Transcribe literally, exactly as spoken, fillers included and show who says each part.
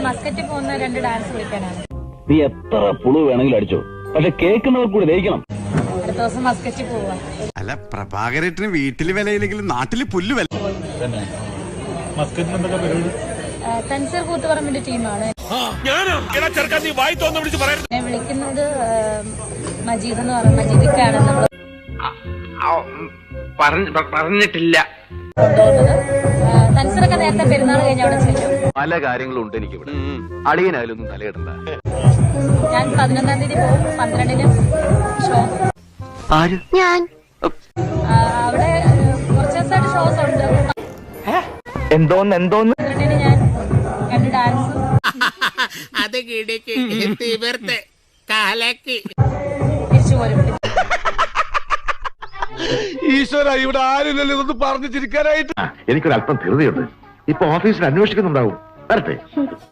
Speaker 1: മസ്കറ്റിൽ പോകുന്ന രണ്ട് ഡാൻസ് കളിക്കാനാണ്.
Speaker 2: നീ എത്ര പുളു വേണമെങ്കിലും അടിച്ചോ, പക്ഷെ കേൾക്കുന്നവർ കൂടി ദഹിക്കണം.
Speaker 1: അടുത്ത ദിവസം മസ്കറ്റിൽ പോവാ.
Speaker 3: അല്ല പ്രഭാകരേട്ടന് വീട്ടില് വിലയില്ലെങ്കിലും നാട്ടില് പുല്ല് വില.
Speaker 1: തൻസീർ കൂത്തുപറമ്പിന്റെ ടീമാണ്. ഞാൻ വിളിക്കുന്നത് മജീദ് എന്ന് പറയുന്ന മജീദിക്കാണ് നമ്മൾ
Speaker 4: പറഞ്ഞിട്ടില്ല.
Speaker 1: തൻസീറൊക്കെ നേരത്തെ പെരുന്നാൾ കഴിഞ്ഞ അവിടെ ചെല്ലും.
Speaker 2: പല കാര്യങ്ങളും ഉണ്ട് എനിക്ക് ഇവിടെ. അളിയനായാലൊന്നും തലയിടണ്ട.
Speaker 1: ഞാൻ പതിനൊന്നാം തീയതി പോകും, പന്ത്രണ്ടിന് ഷോ.
Speaker 4: ഞാൻ
Speaker 1: അവിടെ കുറച്ച് ദിവസമായിട്ട് ഷോസ് ഉണ്ട്.
Speaker 4: എന്തോന്ന് എന്തോന്ന്
Speaker 1: പന്ത്രണ്ടിന് ഞാൻ രണ്ട് ഡാൻസ്
Speaker 5: അത് കിടക്ക് തീവർത്ത് കാലക്ക്
Speaker 1: തിരിച്ചു പോരും.
Speaker 6: ഈശ്വര, ഇവിടെ ആരുമില്ലല്ലോ ഇതൊന്ന് പറഞ്ഞു ചിരിക്കാനായിട്ട്.
Speaker 7: എനിക്കൊരല്പം ധൃതിയുണ്ട്. ഇപ്പൊ ഓഫീസിൽ അന്വേഷിക്കുന്നുണ്ടാവും. വരട്ടെ.